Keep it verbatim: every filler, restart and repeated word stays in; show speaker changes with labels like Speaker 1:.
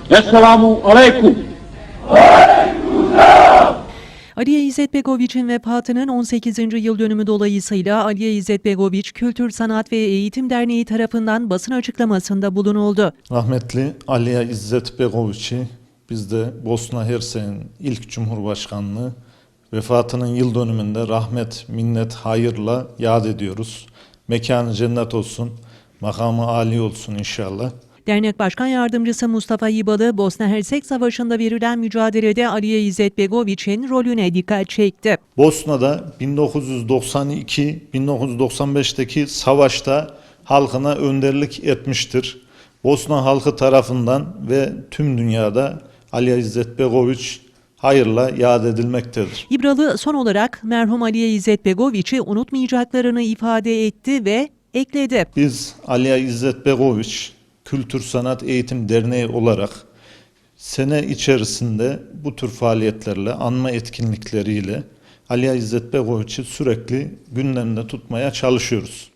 Speaker 1: Esselamu aleyküm.
Speaker 2: Aliye İzzet Begoviç'in vefatının on sekizinci yıl dönümü dolayısıyla Aliye İzzet Begoviç Kültür, Sanat ve Eğitim Derneği tarafından basın açıklamasında bulunuldu.
Speaker 3: Rahmetli Aliye İzzet Begoviç'i biz de Bosna Hersek'in ilk Cumhurbaşkanlığı vefatının yıl dönümünde rahmet, minnet, hayırla yad ediyoruz. Mekanı cennet olsun, makamı âli olsun inşallah.
Speaker 2: Dernek Başkan Yardımcısı Mustafa Yibalı, Bosna Hersek Savaşı'nda verilen mücadelede Aliye İzzet Begoviç'in rolüne dikkat çekti.
Speaker 3: Bosna'da bin dokuz yüz doksan iki bin dokuz yüz doksan beş'teki savaşta halkına önderlik etmiştir. Bosna halkı tarafından ve tüm dünyada Aliye İzzet Begoviç hayırla yad edilmektedir.
Speaker 2: İbralı son olarak merhum Aliye İzzet Begoviç'i unutmayacaklarını ifade etti ve ekledi.
Speaker 3: Biz Aliye İzzet Begoviç Kültür Sanat Eğitim Derneği olarak sene içerisinde bu tür faaliyetlerle, anma etkinlikleriyle Aliye İzzet Begoviç'i sürekli gündemde tutmaya çalışıyoruz.